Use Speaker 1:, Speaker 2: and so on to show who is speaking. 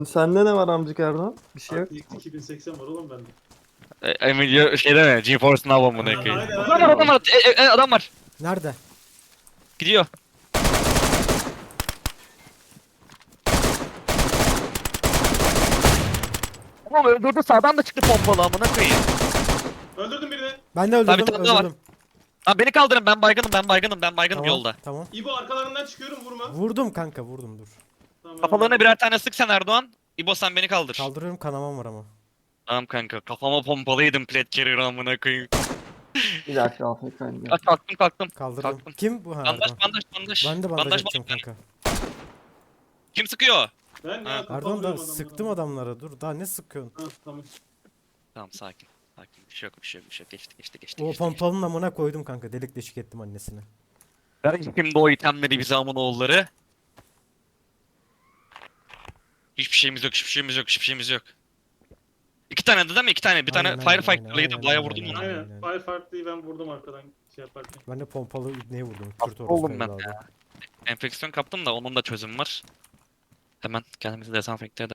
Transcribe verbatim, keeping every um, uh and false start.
Speaker 1: Sende ne var amcık Erdoğan? Bir şey yok.
Speaker 2: R T X iki bin seksen var oğlum bende.
Speaker 3: E, Nvidia şey deme, GeForce Now amına
Speaker 2: Aynen,
Speaker 3: koyayım.
Speaker 2: aynen.
Speaker 3: Adam var, adam var, e, e, e, adam var.
Speaker 4: Nerede?
Speaker 3: Gidiyor. Oğlum öldürdü, sağdan da çıktı pompalı amına koyayım.
Speaker 2: Öldürdüm birini.
Speaker 4: Ben de
Speaker 3: Tabii,
Speaker 4: öldürdüm,
Speaker 3: tabii, var.
Speaker 4: öldürdüm.
Speaker 3: Lan beni kaldırın, ben baygınım, ben baygınım, ben baygınım
Speaker 4: Tamam,
Speaker 3: yolda.
Speaker 4: tamam.
Speaker 2: İbo arkalarından çıkıyorum vurma.
Speaker 4: Vurdum kanka, vurdum dur.
Speaker 2: Tamam.
Speaker 3: Kafalarına birer tane sık sen Erdoğan. İbo sen beni kaldır.
Speaker 4: Kaldırıyorum, kanamam var ama.
Speaker 3: Tamam kanka, kafama pompalıydım plat carrier amına koyayım.
Speaker 1: Bir dakika Afrika indi.
Speaker 3: Ah, kalktım kalktım.
Speaker 4: Kaldırdım.
Speaker 3: Kalktım.
Speaker 4: Kim bu? Ha,
Speaker 3: Bandaj
Speaker 4: Erdoğan.
Speaker 3: bandaj bandaj.
Speaker 4: Ben de bandaj,
Speaker 3: bandaj
Speaker 4: atacağım
Speaker 3: bandaj.
Speaker 4: kanka.
Speaker 3: Kim sıkıyor?
Speaker 2: Ben
Speaker 3: Ha.
Speaker 2: ya kafa
Speaker 4: Erdoğan da
Speaker 2: vuruyorum
Speaker 4: sıktım
Speaker 2: adamlara.
Speaker 4: adamlara, dur daha ne sıkıyorsun?
Speaker 2: Ha tamam.
Speaker 3: Tamam sakin. Sakin, bir şey yok, bir şey yok, bir şey yok. Geçti geçti geçti.
Speaker 4: O
Speaker 3: geçti,
Speaker 4: pompalının amına koydum kanka, delik deşik ettim annesini.
Speaker 3: geçti. Ver şimdi o itemleri bize amına oğulları. Hiçbir şeyimiz yok, hiçbir şeyimiz yok, hiçbir şeyimiz yok. İki tane de değil mi? İki tane. Bir tane
Speaker 4: Aynen, aynen,
Speaker 3: Firefighter'lıydı.
Speaker 4: aynen,
Speaker 3: Bayağı
Speaker 4: aynen,
Speaker 3: vurdum
Speaker 4: aynen.
Speaker 3: ona.
Speaker 2: Aynen. Firefighter'lıyı ben vurdum arkadan şey yaparken.
Speaker 4: Ben de pompalı ibneye vurdum.
Speaker 3: Hasta
Speaker 4: Kürt orospu
Speaker 3: oldum ben
Speaker 4: evladı.
Speaker 3: ya. Enfeksiyon kaptım da onun da çözüm var. Hemen kendimizi dezenfekte edelim.